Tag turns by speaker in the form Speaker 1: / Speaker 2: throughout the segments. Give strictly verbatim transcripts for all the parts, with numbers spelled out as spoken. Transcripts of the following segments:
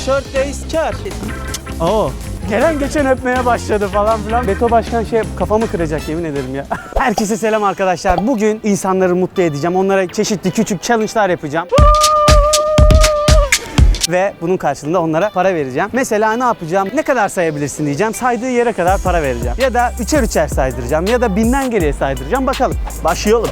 Speaker 1: short days kar. Oo. Gelen geçen öpmeye başladı falan filan. Beto Başkan şey kafamı kıracak yemin ederim ya. Herkese selam arkadaşlar. Bugün insanları mutlu edeceğim. Onlara çeşitli küçük challenge'lar yapacağım. Ve bunun karşılığında onlara para vereceğim. Mesela ne yapacağım? Ne kadar sayabilirsin diyeceğim. Saydığı yere kadar para vereceğim. Ya da üçer üçer saydıracağım. Ya da binden geriye saydıracağım. Bakalım. Başlayalım.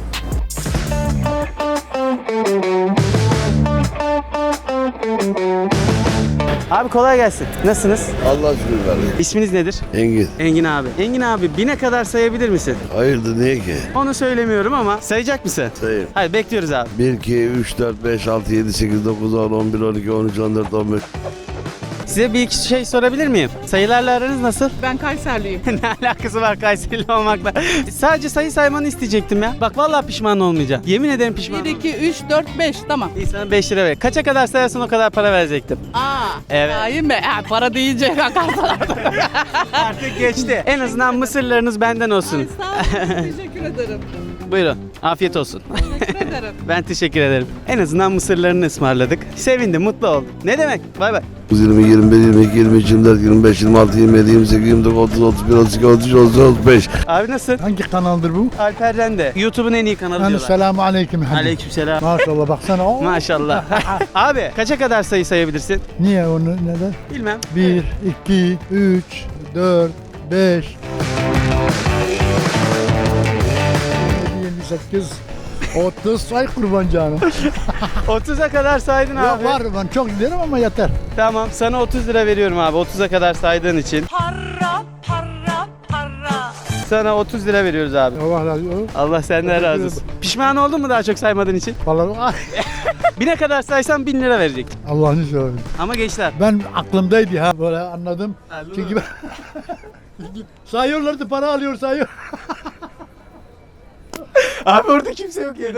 Speaker 1: Abi kolay gelsin. Nasılsınız?
Speaker 2: Allah şükür kardeşim.
Speaker 1: İsminiz nedir?
Speaker 2: Engin.
Speaker 1: Engin abi. Engin abi bine kadar sayabilir misin?
Speaker 2: Hayırdır niye ki?
Speaker 1: Onu söylemiyorum ama sayacak mısın?
Speaker 2: Sayayım.
Speaker 1: Hadi bekliyoruz abi.
Speaker 2: bir, iki, üç, dört, beş, altı, yedi, sekiz, dokuz, on, on bir, on iki, on üç, on dört, on beş.
Speaker 1: Size bir iki şey sorabilir miyim? Sayılarla aranız nasıl?
Speaker 3: Ben Kayserliyim.
Speaker 1: Ne alakası var Kayserili olmakla? Sadece sayı saymanı isteyecektim ya. Bak vallahi pişman olmayacağım. Yemin ederim pişman
Speaker 3: bir,
Speaker 1: olmayacağım.
Speaker 3: iki, üç, dört, beş. Tamam.
Speaker 1: İyi sana beş lira ver. Kaça kadar sayarsan o kadar para verecektim.
Speaker 3: Aa.
Speaker 1: Evet.
Speaker 3: Sayın be. Ha, para deyince bakarsan.
Speaker 1: Artık geçti. En azından mısırlarınız benden olsun.
Speaker 3: Ay, sağ olun. Teşekkür ederim.
Speaker 1: Buyurun. Afiyet olsun.
Speaker 3: Teşekkür ederim.
Speaker 1: Ben teşekkür ederim. En azından mısırlarını ısmarladık. Sevindim, mutlu oldum. Ne demek? Bay bay.
Speaker 2: yirmi, yirmi bir, yirmi iki, yirmi üç, yirmi dört, yirmi beş, yirmi altı, yirmi yedi, yirmi sekiz, yirmi dokuz, otuz, otuz bir, otuz iki, otuz üç, otuz dört, otuz beş.
Speaker 1: Abi nasıl?
Speaker 4: Hangi kanaldır bu?
Speaker 1: Alper Rende. YouTube'un en iyi kanalı
Speaker 4: Yani
Speaker 1: diyorlar.
Speaker 4: selamu aleyküm.
Speaker 1: Aleykümselam.
Speaker 4: Maşallah baksana. Oo.
Speaker 1: Maşallah. Abi kaça kadar sayı sayabilirsin?
Speaker 4: Niye onu neden?
Speaker 1: Bilmem.
Speaker 4: bir, iki, üç, dört, beş, yirmi sekiz, otuz say kurban canım.
Speaker 1: otuza kadar saydın
Speaker 4: Ya
Speaker 1: abi.
Speaker 4: var ben çok giderim ama yeter.
Speaker 1: Tamam sana otuz lira veriyorum abi. otuza kadar saydığın için.
Speaker 3: Para, para, para.
Speaker 1: Sana otuz lira veriyoruz abi.
Speaker 4: Allah razı olsun.
Speaker 1: Allah senden razı olsun. Pişman oldun mu daha çok saymadığın için?
Speaker 4: Vallahi ay,
Speaker 1: Bine kadar saysan bin lira verecektim.
Speaker 4: Allah'ını seversen.
Speaker 1: Ama gençler.
Speaker 4: Ben aklımdaydı ha böyle anladım.
Speaker 1: Anladın
Speaker 4: Çünkü
Speaker 1: mı?
Speaker 4: ben sayıyorlardı para alıyor sayıyor.
Speaker 1: Abi orada kimse yok ya.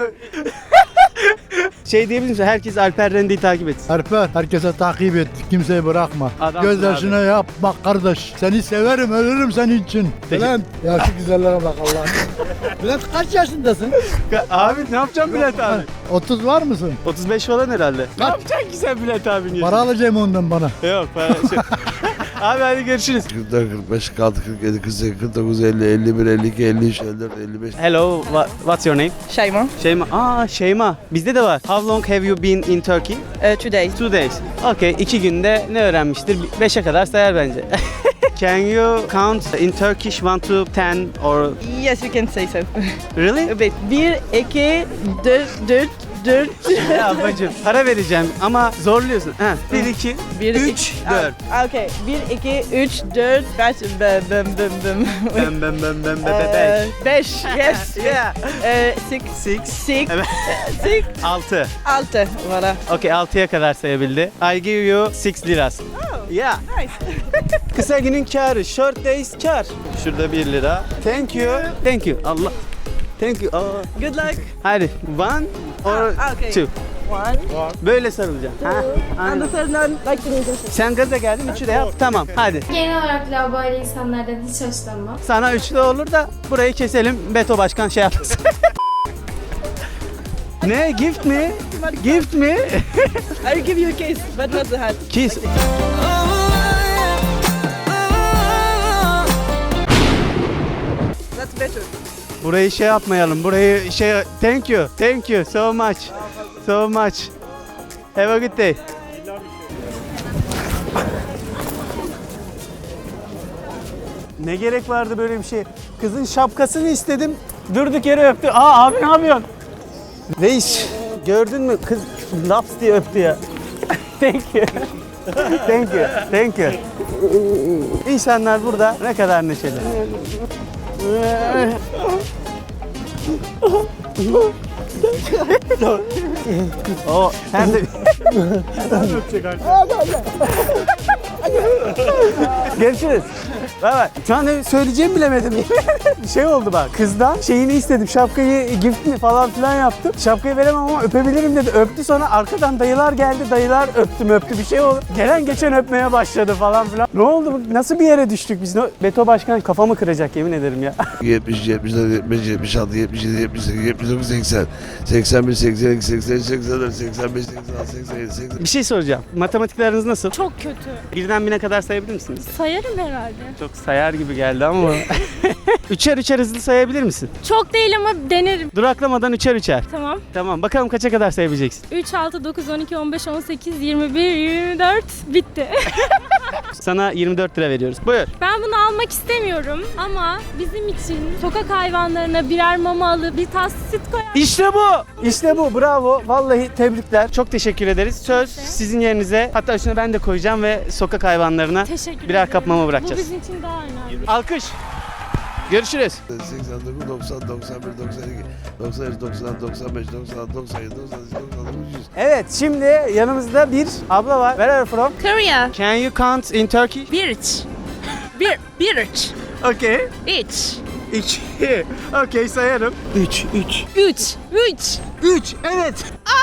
Speaker 1: Şey diyebilir misin? Herkes Alper Rende'yi takip etsin.
Speaker 4: Alper herkese takip et. Kimseyi bırakma.
Speaker 1: Adamsın
Speaker 4: Gözyaşına yap. Bak kardeş. Seni severim. Ölürüm senin için.
Speaker 1: Peki.
Speaker 4: Bülent. Ya şu güzellere bak Allah'ım. Bülent kaç yaşındasın?
Speaker 1: Abi ne yapacağım Bülent abi?
Speaker 4: otuz var mısın?
Speaker 1: otuz beş falan herhalde. Ne
Speaker 4: Kaç?
Speaker 1: yapacaksın ki sen Bülent abinin
Speaker 4: Para alacağım ondan bana.
Speaker 1: Yok para şey. Abi hadi görüşürüz.
Speaker 2: kırk dört, kırk beş, kırk altı, kırk yedi, kırk sekiz, kırk dokuz, elli, elli bir, elli iki, elli üç, elli dört, elli beş.
Speaker 1: Hello, what, what's your name?
Speaker 3: Şeyma.
Speaker 1: Şeyma. Aa Şeyma. Bizde de var. How long have you been in Turkey?
Speaker 3: Uh, today.
Speaker 1: Two days. Okay, iki günde ne öğrenmiştir? Beşe kadar sayar bence. Can you count in Turkish one to ten or
Speaker 3: Yes, you can say so.
Speaker 1: really?
Speaker 3: A bit. Bir, iki, dört, dört, dört.
Speaker 1: Ya bacım para vereceğim ama zorluyorsun. Ha, bir, iki,
Speaker 3: Bir,
Speaker 1: üç,
Speaker 3: iki-
Speaker 1: dört.
Speaker 3: Ah, okay. Bir, iki, üç, dört, beş, bem, bem, bem, bem.
Speaker 1: Bem bem bem bem bem
Speaker 3: Ee,
Speaker 1: beş.
Speaker 3: Beş. Yes.
Speaker 1: Yeah.
Speaker 3: Ee, six.
Speaker 1: Six.
Speaker 3: Six.
Speaker 1: Evet.
Speaker 3: Six.
Speaker 1: Altı.
Speaker 3: Altı. Voilà.
Speaker 1: Okay, altıya kadar sayabildi. I give you six liras.
Speaker 3: Oh.
Speaker 1: Yeah.
Speaker 3: Nice.
Speaker 1: Kısa günün karı, short days kar. Şurada bir lira. Thank you. Thank you. Allah. Thank you. Aa.
Speaker 3: Good luck.
Speaker 1: Hadi. One or
Speaker 3: Ah, okay.
Speaker 1: two.
Speaker 3: One.
Speaker 1: Böyle sarılacaksın. Ha,
Speaker 3: And
Speaker 1: aynen.
Speaker 3: the third one, like the middle.
Speaker 1: Sen gaza geldin, üçü de yap. Tamam, hadi.
Speaker 5: Genel olarak laubali insanlardan hiç hoşlanmam.
Speaker 1: Sana üçlü olur da burayı keselim. Beto Başkan şey yapmasın. Ne? Gift mi? Gift mi?
Speaker 3: I'll give you a kiss, but not the hat.
Speaker 1: Kiss.
Speaker 3: That's better.
Speaker 1: Burayı şey yapmayalım. Burayı şey... Thank you. Thank you so much. So much. Have a good day. Ne gerek vardı böyle bir şey? Kızın şapkasını istedim. Durduk yere öptü. Aa abi ne yapıyorsun? Reis gördün mü? Kız laps diye öptü ya. Thank you. Thank you. Thank you. İnsanlar burada ne kadar neşeli. O hem de görüşürüz. Bay bay. Şu an ne söyleyeceğimi bilemedim. Bir şey oldu bak. Kızdan şeyini istedim. Şapkayı gift mi falan filan yaptım. Şapkayı veremem ama öpebilirim dedi. Öptü, sonra arkadan dayılar geldi. Dayılar öptüm öptü bir şey oldu. Gelen geçen öpmeye başladı falan filan. Ne oldu? Nasıl bir yere düştük biz? Beto Başkan kafamı kıracak yemin ederim ya.
Speaker 2: yetmiş, yetmiş dört, yetmiş beş, yetmiş altı, yetmiş yedi, yetmiş sekiz, yetmiş dokuz, seksen, seksen bir, seksen iki, seksen üç, seksen dört, seksen beş, seksen altı, seksen yedi, seksen.
Speaker 1: Bir şey soracağım. Matematikleriniz nasıl?
Speaker 6: Çok kötü.
Speaker 1: Birden bine kadar sayabilir misiniz?
Speaker 6: Sayarım herhalde.
Speaker 1: Çok sayar gibi geldi ama. Üçer üçer hızlı sayabilir misin?
Speaker 6: Çok değil ama denerim.
Speaker 1: Duraklamadan üçer üçer.
Speaker 6: Tamam.
Speaker 1: Tamam, bakalım kaça kadar sayabileceksin?
Speaker 6: üç, altı, dokuz, on iki, on beş, on sekiz, yirmi bir, yirmi dört bitti.
Speaker 1: Sana yirmi dört lira veriyoruz. Buyur.
Speaker 6: Ben bunu almak istemiyorum ama bizim için sokak hayvanlarına birer mama alıp bir tas süt koyar.
Speaker 1: İşte bu. İşte bu. Bravo. Vallahi tebrikler. Çok teşekkür ederiz. Söz sizin yerinize. Hatta üstüne ben de koyacağım ve sokak hayvanlarına
Speaker 6: Teşekkür
Speaker 1: birer
Speaker 6: ederim.
Speaker 1: kap mama
Speaker 6: Bu
Speaker 1: bırakacağız.
Speaker 6: bizim için daha önemli.
Speaker 1: Alkış. Görüşürüz.
Speaker 2: seksen dokuz, doksan, doksan bir, doksan iki, doksan üç, doksan, doksan beş, doksan altı, doksan yedi, doksan sekiz, doksan dokuz, yüz.
Speaker 1: Evet, şimdi yanımızda bir abla var. Where are you from?
Speaker 3: Korea.
Speaker 1: Can you count in Turkey?
Speaker 3: Birch. Bir, birch.
Speaker 1: Okay.
Speaker 3: İç.
Speaker 1: İki. Okay, sayarım. Üç, üç.
Speaker 3: Üç. Üç.
Speaker 1: Üç, evet.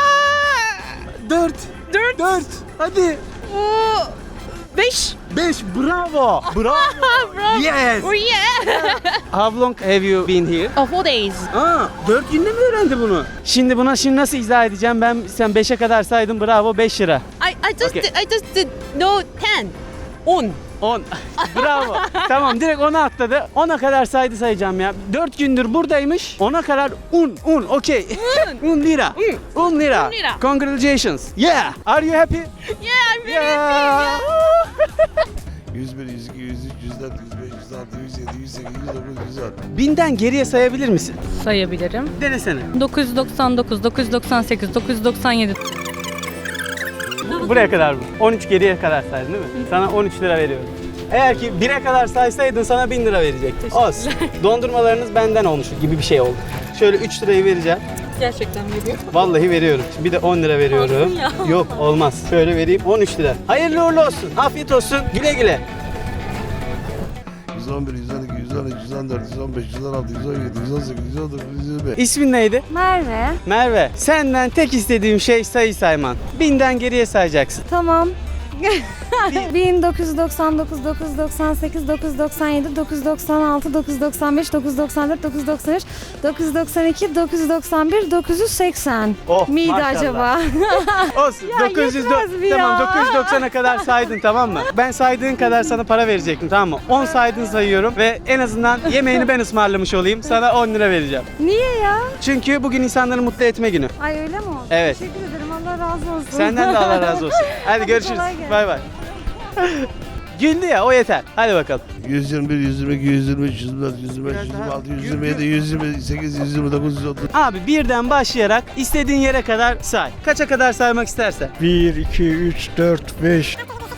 Speaker 1: Dört.
Speaker 3: Dört.
Speaker 1: Dört. Hadi.
Speaker 3: Oo. Beş.
Speaker 1: Beş. Bravo. Bravo.
Speaker 3: Bravo.
Speaker 1: Yes.
Speaker 3: Oh yeah.
Speaker 1: How long have you been here?
Speaker 3: Oh, four days.
Speaker 1: Aa, dört günde mi öğrendi bunu? Şimdi buna şimdi nasıl izah edeceğim? Ben sen beşe kadar saydın, bravo, beş lira.
Speaker 3: I, I just
Speaker 1: Okay.
Speaker 3: did, I just did no ten. On.
Speaker 1: on. Bravo. Tamam, direkt ona atladı. ona kadar saydı sayacağım ya. dört gündür buradaymış. ona kadar un, un, okey. un lira. un lira.
Speaker 3: Un lira.
Speaker 1: Congratulations. Yeah. Are you happy?
Speaker 3: Yeah, I'm very
Speaker 1: Yeah.
Speaker 2: yüz bir, yüz iki, yüz üç, yüz dört, yüz beş, yüz altı, yüz yedi, yüz sekiz, yüz dokuz, yüz on.
Speaker 1: Binden geriye sayabilir misin?
Speaker 6: Sayabilirim.
Speaker 1: Denesene.
Speaker 6: dokuz yüz doksan dokuz, dokuz yüz doksan sekiz, dokuz yüz doksan yedi.
Speaker 1: Buraya kadar mı? on üç geriye kadar saydın değil mi? Sana on üç lira veriyorum. Eğer ki bire kadar saysaydın sana bin lira verecektim. Olsun. Dondurmalarınız benden olmuş gibi bir şey oldu. Şöyle üç lirayı vereceğim.
Speaker 6: Gerçekten veriyor.
Speaker 1: Vallahi veriyorum. Bir de on lira veriyorum.
Speaker 6: Olsun ya.
Speaker 1: Yok, olmaz. Şöyle vereyim, on üç lira. Hayırlı uğurlu olsun. Afiyet olsun. Güle güle.
Speaker 2: yüz on bir, yüz on iki, yüz on üç, yüz on dört, yüz on beş, yüz on altı, yüz on yedi, yüz on sekiz, yüz on dokuz, yüz yirmi beş.
Speaker 1: İsmin neydi?
Speaker 7: Merve.
Speaker 1: Merve. Senden tek istediğim şey sayı sayman. Binden geriye sayacaksın.
Speaker 7: Tamam. bin dokuz yüz doksan dokuz, dokuz yüz doksan sekiz, dokuz yüz doksan yedi, dokuz yüz doksan altı, dokuz yüz doksan beş, dokuz yüz doksan dört, dokuz yüz doksan üç, dokuz yüz doksan iki, dokuz yüz doksan bir, dokuz yüz seksen.
Speaker 1: Oh,
Speaker 7: Miydi
Speaker 1: maşallah.
Speaker 7: acaba?
Speaker 1: Olsun.
Speaker 7: Ya
Speaker 1: dokuz yüz
Speaker 7: yetmez mi ya?
Speaker 1: Tamam, dokuz yüz doksana kadar saydın, tamam mı? Ben saydığın kadar sana para verecektim, tamam mı? on saydın sayıyorum ve en azından yemeğini ben ısmarlamış olayım. Sana on lira vereceğim.
Speaker 7: Niye ya?
Speaker 1: Çünkü bugün insanları mutlu etme günü.
Speaker 7: Ay öyle mi oldu?
Speaker 1: Evet.
Speaker 7: Teşekkür ederim. Allah razı olsun.
Speaker 1: Senden de Allah razı olsun. Hadi görüşürüz.
Speaker 7: kolay gelsin.
Speaker 1: Bay bay. Güldü ya, o yeter. Hadi bakalım.
Speaker 2: yüz yirmi bir, yüz yirmi iki, yüz yirmi üç, yüz yirmi dört, yüz yirmi beş, yüz yirmi altı, yüz yirmi yedi, yüz yirmi sekiz, yüz yirmi dokuz, yüz otuz.
Speaker 1: Abi birden başlayarak istediğin yere kadar say. Kaça kadar saymak istersen.
Speaker 4: bir, iki, üç, dört, beş.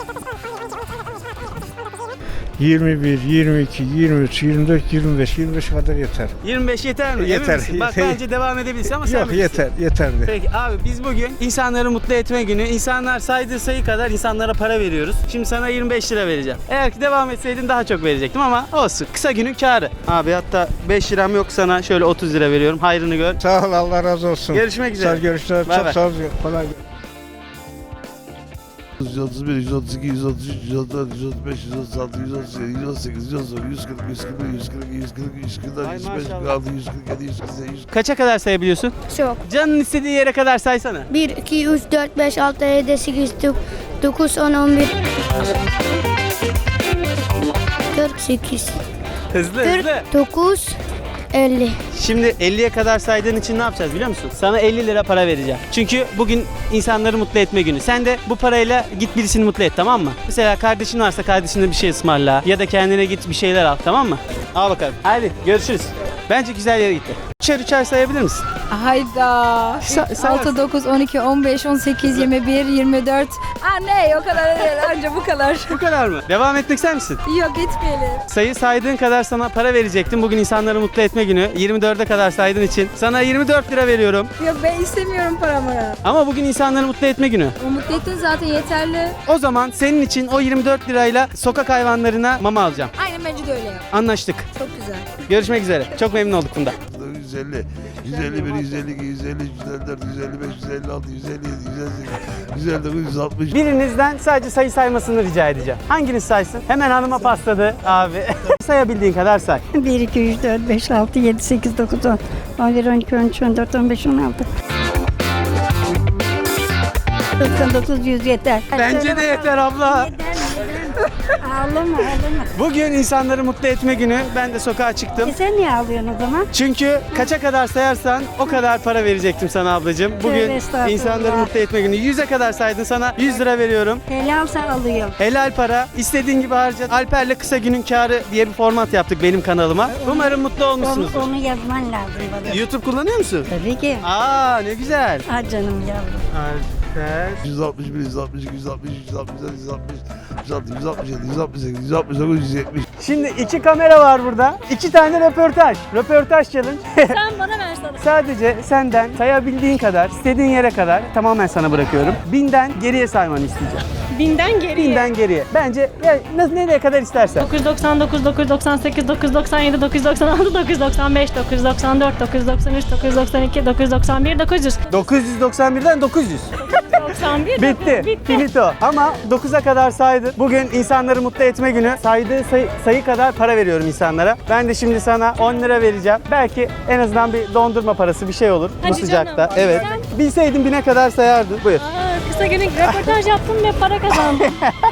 Speaker 4: yirmi bir, yirmi iki, yirmi üç, yirmi dört, yirmi beş, yirmi beş kadar yeter.
Speaker 1: yirmi beş yeter mi? Emin
Speaker 4: Yeter,
Speaker 1: misin? Bak
Speaker 4: yeter.
Speaker 1: bence devam edebilirsin ama sen
Speaker 4: Yok
Speaker 1: bilirsin.
Speaker 4: yeter, yeterli.
Speaker 1: Peki abi, biz bugün insanları mutlu etme günü. İnsanlar saydığı sayı kadar insanlara para veriyoruz. Şimdi sana yirmi beş lira vereceğim. Eğer ki devam etseydin daha çok verecektim ama olsun. Kısa günün kârı. Abi hatta beş liram yok, sana şöyle otuz lira veriyorum. Hayrını gör.
Speaker 4: Sağ ol, Allah razı olsun.
Speaker 1: Görüşmek üzere.
Speaker 4: Sağ ol, görüşürüz.
Speaker 1: Bay
Speaker 4: Çok
Speaker 1: bay.
Speaker 4: sağ ol. Kolay gelsin.
Speaker 2: yüz otuz bir, yüz otuz iki, yüz otuz üç, yüz otuz dört, yüz otuz beş, yüz otuz altı, yüz otuz yedi, yüz on sekiz, yüz on dokuz, yüz kırk, yüz kırk bir, yüz kırk iki, yüz kırk üç, yüz kırk dört,
Speaker 1: Ay
Speaker 2: yüz kırk beş, yüz
Speaker 1: maşallah.
Speaker 2: kırk altı, yüz kırk yedi, yüz kırk sekiz, yüz
Speaker 1: Kaça kadar sayabiliyorsun?
Speaker 7: Çok.
Speaker 1: Canın istediği yere kadar saysana.
Speaker 8: bir, iki, üç, dört, beş, altı, yedi, sekiz, dokuz, on, on bir. kırk sekiz,
Speaker 1: Hızlı hızlı.
Speaker 8: dokuz, elli.
Speaker 1: Şimdi elliye kadar saydığın için ne yapacağız biliyor musun? Sana elli lira para vereceğim. Çünkü bugün insanları mutlu etme günü. Sen de bu parayla git birisini mutlu et, tamam mı? Mesela kardeşin varsa kardeşine bir şey ısmarla ya da kendine git bir şeyler al, tamam mı? Al bakalım. Hadi görüşürüz. Bence güzel yere gitti. Üçer üçer sayabilir misin?
Speaker 7: Hayda.
Speaker 1: Sa- say-
Speaker 7: altı, dokuz, on iki, on beş, on sekiz, yirmi bir, yirmi dört. Aa ne, o kadar değil. Anca bu kadar.
Speaker 1: Bu kadar mı? Devam etmek ister misin?
Speaker 7: Yok, gitmeyelim.
Speaker 1: Sayı saydığın kadar sana para verecektim. Bugün insanları mutlu etme günü. yirmi dörde kadar saydığın için sana yirmi dört lira veriyorum.
Speaker 7: Yok, ben istemiyorum paramı.
Speaker 1: Ama bugün insanları mutlu etme günü.
Speaker 7: O mutlu ettin zaten, yeterli.
Speaker 1: O zaman senin için o yirmi dört lirayla sokak hayvanlarına mama alacağım.
Speaker 7: Aynen, bence de öyle yap.
Speaker 1: Anlaştık.
Speaker 7: Çok güzel.
Speaker 1: Görüşmek üzere. Çok memnun olduk bunda.
Speaker 2: yüz elli, yüz elli bir, yüz elli iki, yüz elli üç, yüz elli dört, yüz elli beş, yüz elli altı, yüz elli yedi, yüz elli sekiz, yüz elli dokuz, yüz altmış.
Speaker 1: Birinizden sadece sayı saymasını rica edeceğim. Hanginiz saysın? Hemen hanıma pasladı abi. Sayabildiğin kadar say.
Speaker 9: bir, iki, üç, dört, beş, altı, yedi, sekiz, dokuz, on, on bir, on iki, on üç, on dört, on beş, on altı. doksan dokuz, yüz yeter.
Speaker 1: Bence de yeter abla.
Speaker 9: Ağlama ağlama.
Speaker 1: Bugün insanları mutlu etme günü. Ben de sokağa çıktım.
Speaker 9: E sen niye ağlıyorsun o zaman?
Speaker 1: Çünkü kaça kadar sayarsan o kadar para verecektim sana ablacığım. Bugün
Speaker 9: Tövbe estağfurullah.
Speaker 1: insanları mutlu etme günü. yüze kadar saydın, sana yüz lira veriyorum.
Speaker 9: Helalsa alıyorum.
Speaker 1: Helal para. İstediğin gibi harca. Alper'le kısa günün kârı diye bir format yaptık benim kanalıma. Umarım mutlu
Speaker 9: Onu,
Speaker 1: olmuşsunuzdur.
Speaker 9: onu yazman lazım bana.
Speaker 1: YouTube kullanıyor musun?
Speaker 9: Tabii ki.
Speaker 1: Aa ne güzel.
Speaker 9: Ah canım yavrum.
Speaker 1: Alper.
Speaker 2: yüz altmış bir, yüz altmış iki, yüz altmış üç, yüz altmış dört, yüz altmış, yüz altı, yüz altmış yedi, yüz altmış sekiz, yüz altmış dokuz, yüz yetmiş.
Speaker 1: Şimdi iki kamera var burada. İki tane röportaj. Röportaj challenge.
Speaker 6: Sen bana ver sana.
Speaker 1: Sadece senden sayabildiğin kadar, istediğin yere kadar tamamen sana bırakıyorum. Binden geriye saymanı isteyeceğim.
Speaker 6: Binden geriye.
Speaker 1: Binden geriye. Bence ya, nasıl nereye kadar istersen.
Speaker 6: dokuz yüz doksan dokuz, dokuz yüz doksan sekiz, dokuz yüz doksan yedi, dokuz yüz doksan altı, dokuz yüz doksan beş, dokuz yüz doksan dört, dokuz yüz doksan üç, dokuz yüz doksan iki, dokuz yüz doksan bir, dokuz yüz.
Speaker 1: dokuz yüz doksan birden dokuz yüz.
Speaker 6: doksan bir.
Speaker 1: Bitti. Finito. Ama dokuza kadar saydın. Bugün insanları mutlu etme günü. Saydığı sayı, sayı kadar para veriyorum insanlara. Ben de şimdi sana on lira vereceğim. Belki en azından bir dondurma parası bir şey olur bu
Speaker 6: Hadi
Speaker 1: sıcakta.
Speaker 6: canım.
Speaker 1: Evet.
Speaker 6: Sen-
Speaker 1: Bilseydin bine kadar sayardın. Buyur.
Speaker 6: Aa, kısa günlük röportaj yaptım ve para kazandım.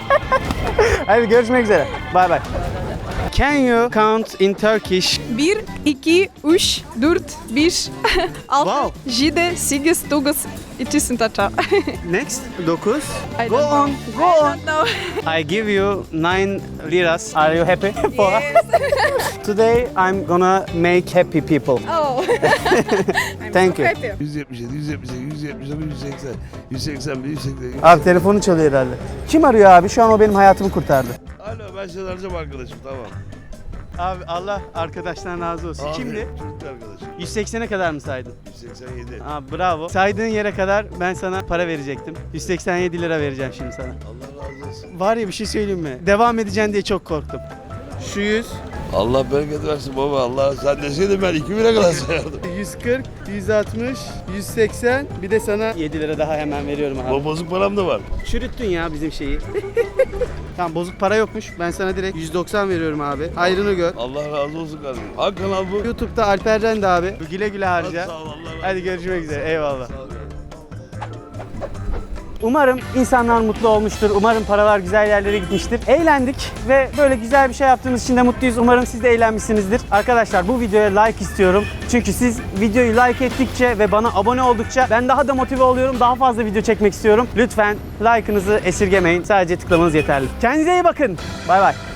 Speaker 1: Hadi görüşmek üzere. Bye bye. Can you count in Turkish?
Speaker 10: bir, iki, üç, dört, beş, altı,
Speaker 1: Wow.
Speaker 10: yedi, sekiz, dokuz, iki, tata.
Speaker 1: Next. dokuz.
Speaker 10: I
Speaker 1: Go
Speaker 10: don't
Speaker 1: on.
Speaker 10: know.
Speaker 1: Go
Speaker 10: I
Speaker 1: on.
Speaker 10: don't know.
Speaker 1: I give you nine liras. Are you happy? For Today I'm gonna make happy people.
Speaker 10: Oh.
Speaker 1: Thank you.
Speaker 10: Happy.
Speaker 2: yüz yetmiş yedi, yüz yetmiş sekiz, yüz yetmiş dokuz, yüz seksen, yüz seksen bir, yüz seksen iki.
Speaker 1: Abi telefonu çalıyor herhalde. Kim arıyor abi? Şu an o benim hayatımı kurtardı.
Speaker 2: Alo ben seni arayacağım arkadaşım tamam.
Speaker 1: Abi Allah arkadaşlar razı olsun.
Speaker 2: Abi,
Speaker 1: Kimdi?
Speaker 2: Çocuk arkadaşım.
Speaker 1: yüz seksene kadar mı saydın?
Speaker 2: yüz seksen yedi.
Speaker 1: Abi bravo. Saydığın yere kadar ben sana para verecektim. yüz seksen yedi lira vereceğim şimdi sana.
Speaker 2: Allah razı olsun.
Speaker 1: Var ya bir şey söyleyeyim mi? Devam edeceksin diye çok korktum. Şu yüz,
Speaker 2: Allah bereket versin baba. Allah sen deseydin ben iki bire kadar sayardım.
Speaker 1: yüz kırk, yüz altmış, yüz seksen, bir de sana yedi lira daha hemen veriyorum abi.
Speaker 2: Ama bozuk param da var.
Speaker 1: Çürüttün ya bizim şeyi. Tamam bozuk para yokmuş. Ben sana direkt yüz doksan veriyorum abi. Hayrını gör.
Speaker 2: Allah razı olsun kardeşim. Hangi kanal bu?
Speaker 1: YouTube'da Alper Rende abi. Güle güle harca.
Speaker 2: Sağ ol Allah razı olsun.
Speaker 1: Hadi görüşmek üzere. Eyvallah.
Speaker 2: Sağ ol.
Speaker 1: Umarım insanlar mutlu olmuştur. Umarım paralar güzel yerlere gitmiştir. Eğlendik ve böyle güzel bir şey yaptığımız için de mutluyuz. Umarım siz de eğlenmişsinizdir. Arkadaşlar bu videoya like istiyorum. Çünkü siz videoyu like ettikçe ve bana abone oldukça ben daha da motive oluyorum. Daha fazla video çekmek istiyorum. Lütfen like'ınızı esirgemeyin. Sadece tıklamanız yeterli. Kendinize iyi bakın. Bay bay.